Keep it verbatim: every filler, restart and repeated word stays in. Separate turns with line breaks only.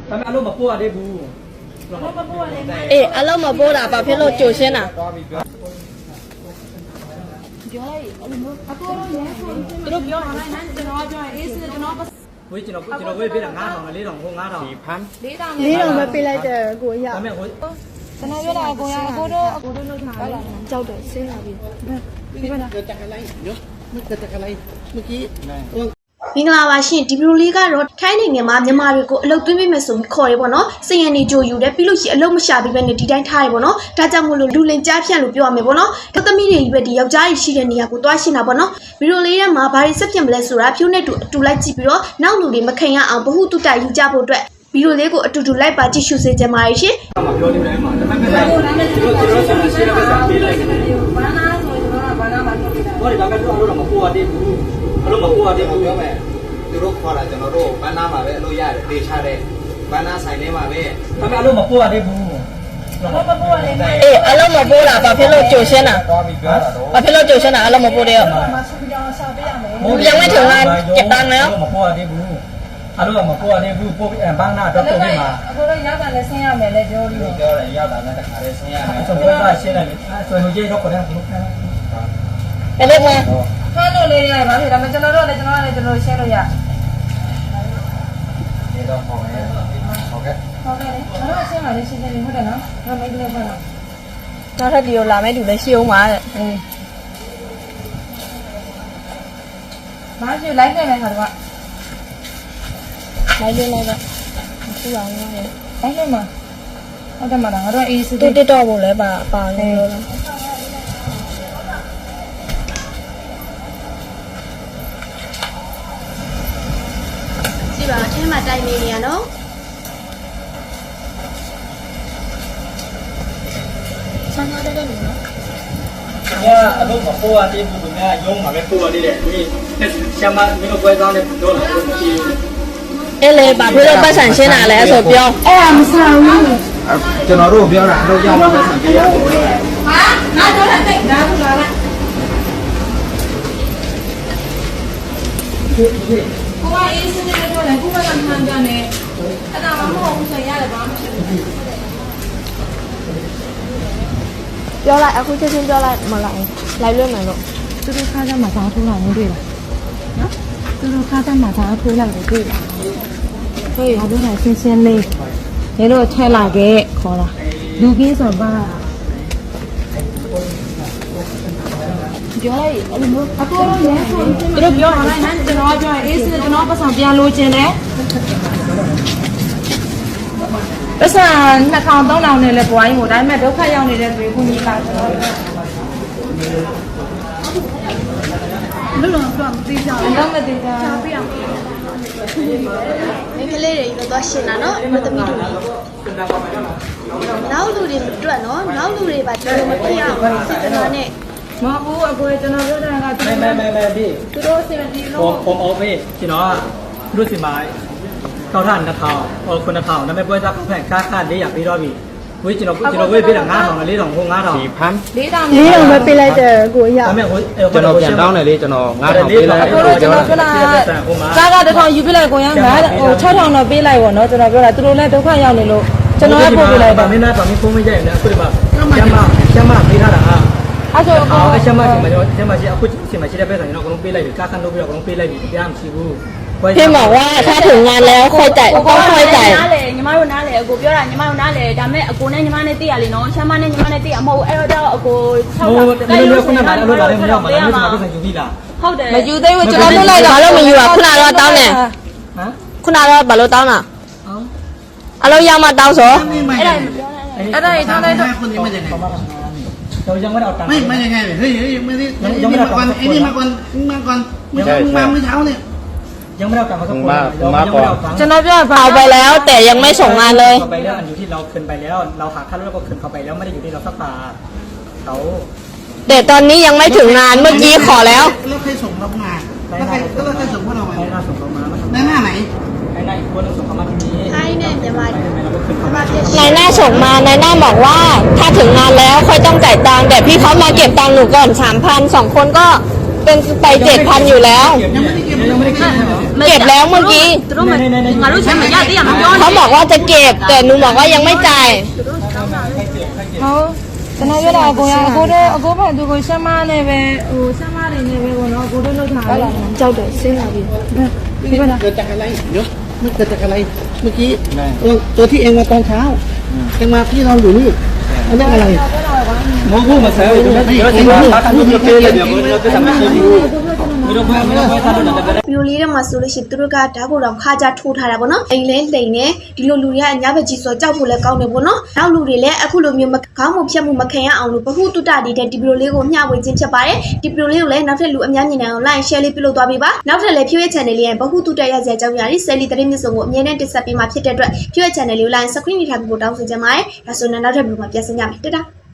ทำไมอารมณ์มาปวดได้บู
เอออารมณ์มาปวดอะป่ะพี่โลโจเช่นอะ
เฮ้ยจีนจีนเว้ยเป็นหลังงาทองเลยหลังพงงาทองสี่พัน
လေးတော့ပဲပေးလိုက်တယ်ကိုရ
ทำไมโอ้ย
ကျွန်တော်ပြောတာအကိုရအကိုတို့အကိုတို့လောက်ထားတယ်
ကြောက်တယ်ဆင်းလာပြီ
ဒီမှာ
เกิดจากอะไรเดี๋ยวมันเกิดจากอะไรเมื่อกี้
မင်္ဂလာပါရှင်ဒီဗီဒီယိုလေးကတော့ထိုင်းနိုင်ငံမှာမြန်မာတွေကိုအလုပ်သွင်းပေးမယ်ဆိုပြီးခေါ်ရဲပေါ့နော်စင်ရနေကြိုယူတယ်ပြီးလို့ရှိရင်အလုပ်မရှာပြီးပဲနဲ့ဒီတိုင်းထားရဲပေါ့နော်ဒါကြောင့်မို့လို့လူလင်ကြားဖြန့်လို့ပြောရမယ်ပေါ့နော်ကသမီးတွေကြီးပဲဒီယောက်ျားကြီးရှိတဲ့နေရာကိုတွားရှင်းတာပေါ့နော်ဗီဒီယိုလေးထဲမှာဘာတွေဆက်ဖြစ်မလဲဆိုတာဖြိုးနဲ့တူအတူလိုက်ကြည့်ပြီးတော့နောက်လူတွေမခင်ရအောင်ဘ ഹു တုတယူကြဖို့အတွက်ဗီဒီယိုလေးကိုအတူတူလိုက်ပါကြည့်ရှုစေချင်ပါတယ်ရှင်
มาပြောနေတယ်မှာဒါပေမဲ့ကျွန်တော်ကျွန်တော်ဆက်ရှင်းတဲ့စာပေးလိုက်တယ်ဘာနာဆိုကျွန်တော်ကဘာနာမှာပြောနေတာဟောဒီဒါကတော့အလုပ်တော့မပဝတ်သေးဘူးအလုပ်မပဝတ်သေးဘူးပြောမယ်သူတို့ခေါ်တာကျွန်တော်တို့ဘာနာမှာပဲအလုပ်ရတယ်ဒေချတဲ့ဘာနာဆိုင်ထဲမှာပဲဒါပေမဲ့အလုပ်မပဝတ်သေးဘူး
เอออารมณ์มาปวดอะป่ะพี่โลโจเช่นอะ
သွားပြီးပြောတာတော့
ป่ะพี่โลโจเช่นอะอารมณ์มาปวดเดียวยังไม่ถึงงานเก็บตังค์แล้ว
မပဝတ်သေးဘူးအလုပ်မပဝတ်သေးဘူးပို့ဘန်းနာတော့ပို့ပြီးမှာ
အကိုတို့ရောက်တာလည်းဆင်းရမယ်လေပြောပြီး
ပြောတယ်ရောက်တာလည်းတခါလေးဆင်းရတယ်ဆိုတော့ကရှင်းတယ်ဆိုရင်ကြီးတော့ခေါ်တယ်ဘုရား
ไปเล็กไหม
ဖမ်းလို့လေးရပါပြီဒါပေမဲ့ကျွန်တော်တို့လည်းကျွန်တော်လည်းကျွန်တော်ရှင်းလို့ရ
ဒီတော့ခေါ်မယ်ဟုတ်ကဲ့
ဟုတ်ကဲ့လေကျွန်တော်ရှင်းပါလေရှင်းတယ်ဟုတ်တယ်နော်ငါမိတ်ကလေးဖမ်းတော့
နောက်ထပ်ဒီကိုလာမယ့်သူလည်းရှိအောင်ပါတဲ့
အေးဘာကြည့်လိုက်နေလဲခါတော့
လိုက်လေးလိုက်တော့မရှိပါဘူးလေ
လိုက်နေမှာဟုတ်တယ်မလားငါတို့အေးစစ်
တူတက်တော့ဖို့လဲပါပါနေလို့လား
ကြည့်ပါအထင်းမှာတိုင်နေနေရနော်
ဆန်းထားတဲ့လူနော်
။ညာအလုပ်မပေါ်ရသေးဘူးခင်ဗျာရုံးမှာပဲပေါ်ရသေးတယ်။ဒီရှမ်းမမင်းတို့ပွဲဆောင်တဲ့ပြောလာလို့ကြည့်
အဲ့လေပါพี่โลပတ်ဆံရှင်းတာလဲဆိုပြော
အဲ့ဒါမဆောင်ဘူး
။ကျွန်တော်တို့ပြောတာအလုပ်ရောက်မှပဲဆံပေးရတယ်။
ဟာငါတို့လည်းတိတ်ဒါဘူးလားကိုကအေးစစ်နေတော့လည်းကိုကလည်းမှန်တယ်နဲ့အဲ့ဒါမှမဟုတ်ဘူးဆိုရတယ်ဘာမှမရှိဘူး
ပြောလိုက်အခုချက်ချင်းပြောလိုက်မလိုက်လိုက်လွတ်မယ်လို့
သူတို့ခါးသားမှာဓာတ်ထိုးလာနေတွေ့လားနော်သူတို့ခါးသားမှာဓာတ်ထိုးလိုက်နေတွေ့လားဟေးဘာလို့လဲရှင်းရှင်းလေးနေတော့ထဲလာခဲ့ခေါ်တာလူကင်းဆိုပါပြောလိုက်အဲ့လိုမျိုးအကိုရောရဲဆိုသူတို့ပြောလိုက်ဟမ်ကျွန်တော်ပြောအေးစစ်ကျွန်တော်ပတ်ဆောင်ပြန်လို့ခြင်းတယ်ပတ်စံနှစ်ထောင်သုံးထောင်နဲ့လဲပွားရင်ကိုဒါပေမဲ့ဒုက္ခရောက်နေတဲ့သူကိုကြီးလာကျွန်တော်
လုံးလုံးတော့မသိကြဘူး
တော့မသိတာ
ပြအောင်မိန်းကလေးတွေတော့သွားရှင်းတာနော်မသမီးတို့နောက်လူတွေအတွက်နော်နောက်လူတွေပါဒီလိုမဖြစ်အောင်စစ်တနာနဲ့
မဟုတ်ဘူးအကိုကျွန်တော်ပြောတာက
မဲမဲမဲမဲဒီ
သူတို့စင်တီ
ผ
လို့
มผมเอาไปကျွန်တော်ကသူတို့စီမှာကောက်ထနှစ်ထောင်ဟိုခုနှစ်ထောင်ဒါပေမဲ့ပွဲစားဖက်ကားကားလေးရပြီးတော့ပြီဝေးကျွန်တော်ကျွန်တော်ဝေးပေးတာ9000နဲ့4000ဟို9000
สี่พัน
လေးတောင်
လေးတော့ပဲပေးလိုက်တယ်ကိုရ
ဒါပေမဲ့ဟို
ကျွန်တော်ပြန်တောင်းတယ်လေကျွန်တော်ငါးထောင်ပေးလိုက်
အကိုတို့ကျွန်တော်ပြောတာကားကတစ်ထောင်ယူပေးလိုက်ကိုရမ်းငါဟို၆ထောင်တော့ပေးလိုက်ပေါ့နော်ကျွန်တော်ပြောတာသူတို့လည်းဒုက္ခရောက်နေလို့ကျွန်တော်လည်းပို့ပေးလိုက်ပါ
မင်းသားတော်မင်းဖုန်းမကြိုက်နဲ့အခုဒီမှာကျမကျမပေးထားတာဟာ
အဲ့ဆိုအကို
အော်ကျမစီမှာကျမစီအခုစီမှာရှိတဲ့ပဲဆိုရင်တော့အကုန်လုံးပေးလိုက်ပြီကားခန်းလုပ်ပြီးတော့အကုန်လုံးပေးလိုက်ပြီတရားမရှိဘူး
พี่บอกว่าถ้าถึงงานแล้วค่อยจ่ายก็ค่อยจ่าย
နားလေညီမတို့နားလေအကိုပြောတာညီမတို့နားလေဒါပေမဲ့အကိုနဲ့ညီမနဲ့သိရလေနော်ရှမ်းမနဲ့ညီမနဲ့သိရမဟုတ်ဘူးအဲ့တော့အကို၆
ဟိုလည်းလည်းခုနကလည်းလို့လာတယ်မရောက်ပါဘူးဒီမှာပြန်ယူပြီးလား
ဟုတ်တယ်
မယူသေးဘူးကျွန်တော်လွတ်လိုက်တာ
ဘာလို့မယူอ่ะခုနကတော့တောင်းတယ်
ဟမ်
ခုနကတော့ဘာလို့တောင်းတာအလုံးရောက်မှတောင်းဆို
ไม่ไม่
အဲ့ဒါ
အဲ့ဒါကြီးထောင်းလိုက်တော့
คนนี้ไม่ยังไง
เรายังไม่ได้เอาตังค์
ไม่ไม่ยังไงเฮ้ยเฮ้ยไม่ได้ไอ้นี่มาก่อนไอ้นี่มาก่อนมาก่อนเมื่อมาเมื่อเช้าเนี่ย
ยังไม่ได้เอาตังค์เขาสักคนยังไม่ได้เอาตังค์
ကျွန်တော်ပြောပါ
เอาไปแล้วแต่ยังไม่ส่งงานเลย
เขาไปแล้วอันอยู่ที่เราคืนไปแล้วเราหาค่ารถแล้วก็คืนเขาไปแล้วไม่ได้อยู่ที่เราสักบาทเขา
แต่ตอนนี้ยังไม่ถึงงานเมื่อกี้ขอแล้ว
แล้วใครส่งเรามาแล้วใครแล้วใครส่งพวกเรามา
ให้หน้าส่งเขามา
ในหน้าไหน
ให้หน้าอีกคนนึงส่งเขามาที่นี้
ထိုင်းနဲ့မြန်မာတွေ
ให้เราก็คืนเขา
มา
มา
เทียบ
นายหน้าส่งมานายหน้าบอกว่าถ้าถึงงานแล้วค่อยต้องจ่ายตังค์แต่พี่เขามาเก็บตังค์หนูก่อนสามพันสองคนก็เป็นไปเจ็ดพันอยู่แล้ว
ยังไม่ได้เก็บยังไม่ได้เก็บ
เก็บแล้วเมื่อกี้
သူတို့ငါတို့ချင်းမရသေးရမပြော
เขาบอกว่าจะเก็บแต่หนูบอกว่ายังไม่จ่าย
好တနရလာကိုရအကိုတို့အကိုဖက်သူကိုရှမ်းမနဲ့ပဲဟိုရှမ်းမတွေနဲ့ပဲပေါ့နော်အကိုတို့လောက်ထားတယ်ကြောက်တယ်ဆင်းလာပြီဒီကနေ့
เกิดจากอะไรเดี๋ยวมันเกิดจากอะไรเมื่อกี้ตัวตัวที่เองมาตอนเช้าเองมาที่เราอยู่นี่มันเรื่องอะไร
မဟုတ်ဘူးမဆဲဘူးကျွန်တော်ကျွန်တော်တာတူပြေးလိုက်ပြန်ကျွန်တော်ပြဿနာမရှိဘူးမင်းတို့ဘာမင်းတို့ဘာသာလို့လည်း
ဗီဒီယိုလေးထဲမှာဆိုလို့ရှိရင်သူတို့ကဓာတ်ကိုတော့ခါကြထိုးထားတာပေါ့နော်အိမ်လဲလိန်နေဒီလိုလူတွေကအညာဘက်ကြီးဆိုကြောက်ဖို့လည်းကောင်းတယ်ပေါ့နော်နောက်လူတွေလည်းအခုလိုမျိုးခေါင်းမဖြတ်မှုမခံရအောင်လို့ဘဟုတုတတတဲ့ဒီဗီဒီယိုလေးကိုမျှဝေခြင်းဖြစ်ပါတယ်ဒီဗီဒီယိုလေးကိုလည်းနောက်ထပ်လူအများကြီးနိုင်အောင် like share လေးပြုလုပ်သွားပေးပါနောက်ထပ်လည်းဖြိုးရဲ့ channel လေးရဲ့ဘဟုတုတရစရာအကြောင်းအရာတွေ Sally သတင်းမြစ်စုံကိုအမြဲတမ်းတင်ဆက်ပေးမှာဖြစ်တဲ့အတွက်ဖြိုးရဲ့ channel လေးကို like subscribe ထားပြီးဖို့တောင်းဆိုချင်ပါတယ်ဒါဆိုရင်နောက်ထပ်ဗီဒီယိုမှာပြန်ဆင်ကြမယ်တတာ